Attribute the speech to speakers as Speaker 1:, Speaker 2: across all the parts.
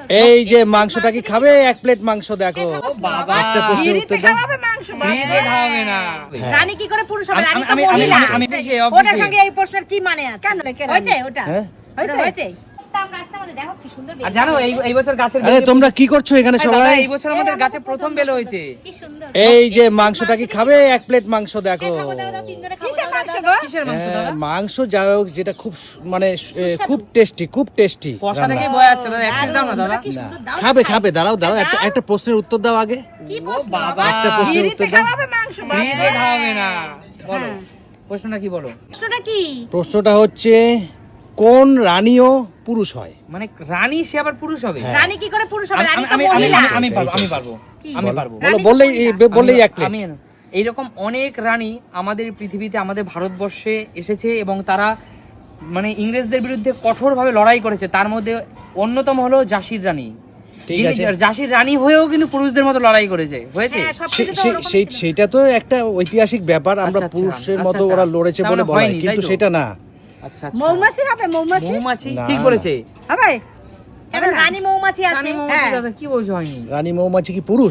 Speaker 1: এই যে মাংসটা কি খাবে? এক প্লেট মাংস দেখো। একটা প্রশ্নের উত্তর দাও।
Speaker 2: খাওয়াবে না।
Speaker 3: রানী কি করে পুরুষ হবে? রানী তো
Speaker 2: আমি
Speaker 3: মহিলা। ওটার
Speaker 2: অফিসে
Speaker 3: সঙ্গে এই প্রশ্নের কি মানে আছে? হয়েছে ওটা? হয়েছে? তাও গাছটা আমাদের দেখো কি সুন্দর বেল।
Speaker 2: আর জানো এই বছর গাছের
Speaker 1: আরে তোমরা কি করছো এখানে সবাই?
Speaker 2: এই বছর আমাদের গাছে প্রথম বেল হয়েছে।
Speaker 3: কি সুন্দর।
Speaker 1: এই যে মাংসটা কি খাবে? এক প্লেট মাংস দেখো।
Speaker 3: খাবো দাও দাও তিন জনে খাবো
Speaker 2: কিসের মাংস দাদা?
Speaker 1: মাংস যা হোক, যেটা খুব মানে খুব টেস্টি, খুব টেস্টি।
Speaker 2: কষা থেকে বয় আছে দাদা, এক পিস দাও না দাদা।
Speaker 3: কি সুন্দর দাও।
Speaker 1: খাবে খাবে, দাঁড়াও দাঁড়াও, একটা প্রশ্নের উত্তর দাও আগে।
Speaker 3: কি প্রশ্ন
Speaker 2: বাবা,
Speaker 1: একটা প্রশ্নের উত্তর দাও।
Speaker 2: ফ্রিজে খাওয়াবে না। বলো প্রশ্নটা কি বলো?
Speaker 3: প্রশ্নটা কি?
Speaker 1: প্রশ্নটা হচ্ছে কোন রানীও পুরুষ হয়?
Speaker 2: মানে রানী সে আবার পুরুষ হবে?
Speaker 3: রানী কি করে পুরুষ হবে? রানী তো
Speaker 2: আমি
Speaker 3: মহিলা।
Speaker 2: আমি পারবো আমি পারবো
Speaker 3: কি?
Speaker 2: আমি পারবো।
Speaker 1: বলো, বললেই এক প্লেট।
Speaker 2: আমি এইরকম অনেক রানী আমাদের পৃথিবীতে, আমাদের ভারতবর্ষে এসেছে এবং তারা মানে ইংরেজদের বিরুদ্ধে কঠোরভাবে লড়াই করেছে। তার মধ্যে অন্যতম হলো ঝাঁসির রানী।
Speaker 1: ঠিক আছে।
Speaker 2: ঝাঁসির রানী হয়েও কিন্তু পুরুষদের মতো লড়াই করেছে, হয়েছে।
Speaker 3: হ্যাঁ, সবকিছু তো ওরকম ছিল।
Speaker 1: সেটা তো একটা ঐতিহাসিক ব্যাপার, আমরা
Speaker 2: আচ্ছা,
Speaker 1: পুরুষের
Speaker 2: আচ্ছা,
Speaker 1: মতো
Speaker 2: আচ্ছা।
Speaker 1: ওরা লড়েছে
Speaker 2: তার
Speaker 1: বলে
Speaker 2: মানে
Speaker 1: বলা হয়,
Speaker 2: হয়নি,
Speaker 1: কিন্তু
Speaker 2: তাই তো?
Speaker 1: সেটা না।
Speaker 2: আচ্ছা আচ্ছা।
Speaker 3: মৌমাছি হবে মৌমাছি?
Speaker 2: মৌমাছি
Speaker 1: না,
Speaker 2: ঠিক
Speaker 1: না।
Speaker 2: বলেছে।
Speaker 3: হবে? কারণ রানী মৌমাছি আছে।
Speaker 2: রানী মৌমাছি দাদা কি বলছো হয়নি?
Speaker 1: রানী মৌমাছি কি পুরুষ?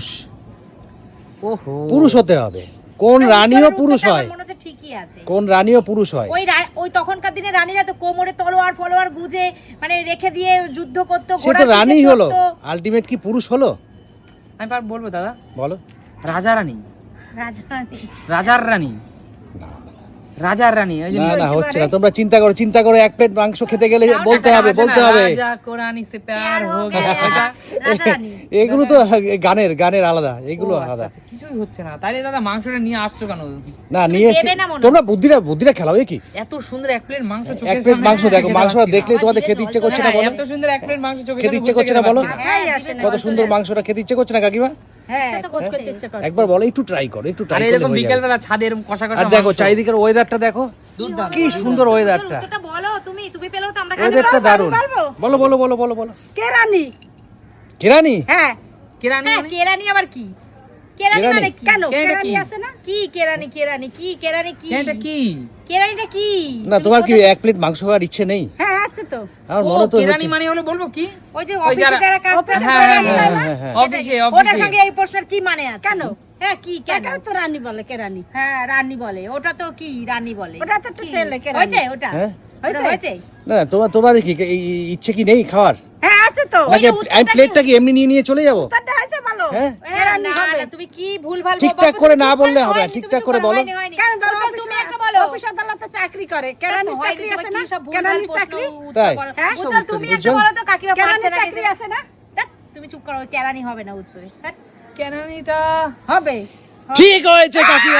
Speaker 2: ওহো।
Speaker 1: পুরুষ হতে হবে। কোন রানীও পুরুষ হয়?
Speaker 3: মনে হচ্ছে ঠিকই আছে।
Speaker 1: কোন রানীও পুরুষ হয়?
Speaker 3: ওই তখনকার দিনে রানীরা তো কোমরে তলোয়ার ফলোয়ার গুজে মানে রেখে দিয়ে যুদ্ধ করতো,
Speaker 1: সে
Speaker 3: ঘোড়া
Speaker 1: তো
Speaker 3: পিঠে
Speaker 1: রানী হলো,
Speaker 3: চড়তো।
Speaker 1: আলটিমেট কি পুরুষ হলো?
Speaker 2: আমি বলবো দাদা,
Speaker 1: বলো।
Speaker 2: রাজা রানী,
Speaker 3: রাজা রানী।
Speaker 2: রাজার রানী,
Speaker 1: না
Speaker 2: রাজার রানী। ওই যে
Speaker 1: না না, হচ্ছে না। তোমরা চিন্তা করো এক প্লেট মাংস খেতে গেলে বলতে হবে
Speaker 2: রাজা কোরআন সে প্যার হো গয়া।
Speaker 3: রাজা রানী।
Speaker 1: এগুলো তো গানের আলাদা, এগুলো
Speaker 2: ও, আচ্ছা,
Speaker 1: আলাদা।
Speaker 2: আচ্ছা, কিছুই হচ্ছে না। তাইলে দাদা মাংসটা নিয়ে আসছো কেন?
Speaker 1: না নিয়ে এসে
Speaker 3: দেবে না মনে
Speaker 1: তোমরা বুদ্ধিটা খেলাও কি?
Speaker 2: এত সুন্দর এক প্লেট মাংস
Speaker 1: এক
Speaker 2: চোখের
Speaker 1: প্লেট
Speaker 2: সামনে
Speaker 1: মাংস দেখো,
Speaker 2: খেতে
Speaker 1: মাংসটা
Speaker 2: পাচ্ছি না।
Speaker 1: দেখলেই তোমাদের খেতে ইচ্ছে করছে না? বলো,
Speaker 2: এত সুন্দর এক প্লেট মাংস চোখের
Speaker 1: খেতে
Speaker 2: সামনে
Speaker 1: ইচ্ছে করছে না? বলো,
Speaker 3: হ্যাঁ, আসে না।
Speaker 1: কত সুন্দর মাংসটা খেতে ইচ্ছে করছে না কাকিমা?
Speaker 3: হ্যাঁ, ইচ্ছা তো করছে।
Speaker 1: একবার বলো, একটু ট্রাই করো, একটু ট্রাই
Speaker 2: আরে
Speaker 1: করলে
Speaker 2: এরকম
Speaker 1: হয়ে
Speaker 2: বিকেল
Speaker 1: যাবে।
Speaker 2: বেলা ছাদে এরকম কষা কষা
Speaker 1: আর দেখো
Speaker 2: মাংস।
Speaker 1: চারিদিকের ওয়েদারটা দেখো,
Speaker 2: দুর্দান্ত,
Speaker 1: কি সুন্দর ওয়েদারটা।
Speaker 3: উত্তরটা বলো তুমি পেলেও তো আমরা
Speaker 1: ওয়েদারটা দারুণ। বলো বলো বলো বলো বলো।
Speaker 3: কে রানী?
Speaker 1: কেরানি?
Speaker 3: হ্যাঁ।
Speaker 2: কেরানি
Speaker 3: হ্যাঁ,
Speaker 2: মানে?
Speaker 3: কেরানি আবার কি? কেরানি
Speaker 1: কেরানি?
Speaker 3: মানে কি?
Speaker 2: কেন?
Speaker 3: কেরানি
Speaker 2: কি?
Speaker 3: আছে না? কি কেরানি কি? কেরানি কি?
Speaker 2: এটা কি?
Speaker 3: কেরানিটা কি?
Speaker 1: না তোমার কি এক প্লেট মাংস খাওয়ার ইচ্ছে নেই?
Speaker 3: হ্যাঁ, আছে তো।
Speaker 1: আমার
Speaker 2: ও,
Speaker 1: মনে তো
Speaker 2: কেরানি
Speaker 1: হচ্ছে।
Speaker 2: মানে হলো বলবো কি?
Speaker 3: ওই যে
Speaker 2: ওই
Speaker 3: অফিসে
Speaker 2: যারা-
Speaker 3: যারা কাজ করে
Speaker 2: হ্যাঁ,
Speaker 3: কেরানি
Speaker 2: হ্যাঁ,
Speaker 3: হয় না?
Speaker 1: হ্যাঁ।
Speaker 2: অফিসে
Speaker 3: ওটার সঙ্গে এই প্রশ্নের কি মানে আছে?
Speaker 4: কেন?
Speaker 3: হ্যাঁ, কি কেন?
Speaker 4: এটা তো রানী বলে, কেরানি।
Speaker 3: হ্যাঁ, রানী বলে। ওটা তো কি রানী বলে?
Speaker 4: ওটা তো একটা
Speaker 3: কি?
Speaker 4: ছেলে, কেরানি।
Speaker 3: হয়েছে ওটা?
Speaker 1: হ্যাঁ?
Speaker 3: ওটা হয়েছে?
Speaker 1: না না, তোমাদের কি এই ইচ্ছে কি নেই খাওয়ার?
Speaker 4: হ্যাঁ, আছে তো।
Speaker 1: নাকি আমি প্লেটটা কি এমনি নিয়ে চলে যাবো?
Speaker 4: উত্তরটা আছে ভালো।
Speaker 1: হ্যাঁ?
Speaker 3: হ্যাঁ, না, না, তুমি কি ভুলভাল
Speaker 1: ঠিকঠাক
Speaker 3: বকো?
Speaker 1: করে
Speaker 3: তুমি
Speaker 1: না
Speaker 3: চুপ
Speaker 1: বললে
Speaker 3: করে
Speaker 1: হবে,
Speaker 3: হয়নি,
Speaker 1: ঠিকঠাক
Speaker 3: তুমি
Speaker 1: করে
Speaker 3: চুপ
Speaker 1: বলো।
Speaker 3: হয়নি।
Speaker 4: কেন ধরো
Speaker 3: চল, তুমি একটা বলো।
Speaker 4: অফিস আদালতে চাকরি করে, কেরানির
Speaker 3: হয়নি,
Speaker 4: চাকরি
Speaker 3: তোমার
Speaker 4: আছে
Speaker 3: কি
Speaker 4: না?
Speaker 3: সব ভুলভাল
Speaker 4: কেরানির
Speaker 3: প্রশ্ন
Speaker 4: চাকরি?
Speaker 3: উত্তর
Speaker 1: তাই?
Speaker 3: করো।
Speaker 4: হ্যাঁ?
Speaker 3: উজ্জ্বল, তুমি একটা
Speaker 1: উজ্জ্বল?
Speaker 3: বলো তো কাকিমা পারছে
Speaker 4: কেরানির
Speaker 3: না
Speaker 4: চাকরি
Speaker 3: কিছু।
Speaker 4: আছে না?
Speaker 3: ধ্যাৎ, তুমি চুপ করো, কেরানি হবে না উত্তরে। হ্যাঁ?
Speaker 2: কেরানিটা
Speaker 4: হবে।
Speaker 1: ঠিক হয়েছে কাকিমা।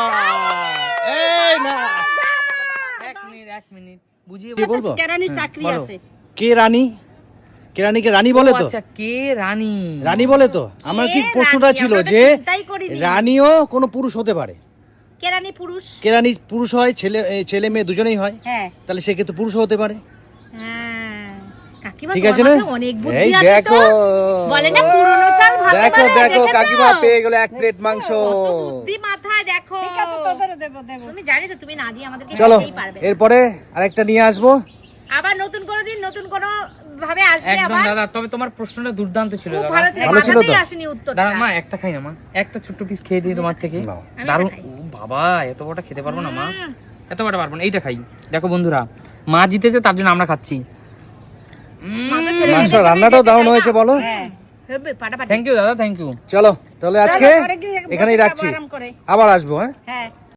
Speaker 1: এই না,
Speaker 2: এক মিনিট বুঝিয়ে
Speaker 1: কি বলবো?
Speaker 4: কেরানির চাকরি
Speaker 2: বলো।
Speaker 4: আছে।
Speaker 1: কে রানী? কেরানিকে রানী বলে তো?
Speaker 2: আচ্ছা, কে রানী?
Speaker 1: রানী বলে তো? আমার কি
Speaker 3: কে
Speaker 1: প্রশ্নটা
Speaker 3: রানী?
Speaker 1: ছিল
Speaker 3: আমরা তো
Speaker 1: যে
Speaker 3: চিন্তাই করিনি।
Speaker 1: রানীও কোনো পুরুষ হতে পারে।
Speaker 3: কেরানি পুরুষ।
Speaker 1: কেরানি পুরুষ হয়, ছেলে মেয়ে দুজনেই হয়,
Speaker 3: হ্যাঁ।
Speaker 1: তাহলে সে কিন্তু পুরুষ হতে পারে।
Speaker 3: হ্যাঁ। কাকিমা
Speaker 1: ঠিক
Speaker 3: তোমার
Speaker 1: আছে না?
Speaker 3: মাথায় অনেক বুদ্ধি
Speaker 1: এই
Speaker 3: আছে তো।
Speaker 1: দেখো,
Speaker 3: বলে না পুরনো চাল ভাতে
Speaker 1: দেখো
Speaker 3: বালে,
Speaker 1: দেখো
Speaker 3: দেখেছো?
Speaker 1: কাকিমা পেয়ে গেল এক প্লেট মাংস।
Speaker 3: কত বুদ্ধি মাথায় দেখো।
Speaker 4: ঠিক আছে, তোদেরও দেবো।
Speaker 3: তুমি জানি তো তুমি না দিয়ে আমাদেরকে
Speaker 1: চলো
Speaker 3: খেতেই পারবে না।
Speaker 1: এরপরে আরেকটা নিয়ে আসবো।
Speaker 3: আবার নতুন কোনো দিন নতুন কোনো ভাবে আসবে
Speaker 2: একদম
Speaker 3: আবার।
Speaker 2: দাদা, তবে তোমার প্রশ্নটা দুর্দান্ত ছিল
Speaker 3: খুব
Speaker 2: দাদা।
Speaker 3: ভালো ছিল,
Speaker 1: ভালো ছিল তো?
Speaker 3: মাথাতেই আসেনি উত্তরটা।
Speaker 2: দাঁড়া মা, একটা খাই না মা, একটা ছোট্ট পিস খেয়ে দিয়ে তোমার থেকে।
Speaker 1: নাও।
Speaker 3: আমি
Speaker 2: দারুণ।
Speaker 3: একটা খাই।
Speaker 2: ও বাবা, এত বড়টা খেতে পারবো না মা, এত বড়টা পারবো না। এইটা খাই। দেখো বন্ধুরা, মা জিতেছে তার জন্য আমরা খাচ্ছি।
Speaker 1: মাংস রান্নাটাও দারুণ হয়েছে বলো।
Speaker 3: হ্যাঁ, হবে পাটা পাটা।
Speaker 2: থ্যাংক ইউ দাদা, থ্যাংক ইউ।
Speaker 1: চলো তাহলে আজকে
Speaker 4: ঘরে গিয়ে বসে
Speaker 1: এখানেই
Speaker 4: খাবো
Speaker 1: রাখছি,
Speaker 4: আরাম করে।
Speaker 1: আবার আসবো। হ্যাঁ,
Speaker 3: হ্যাঁ।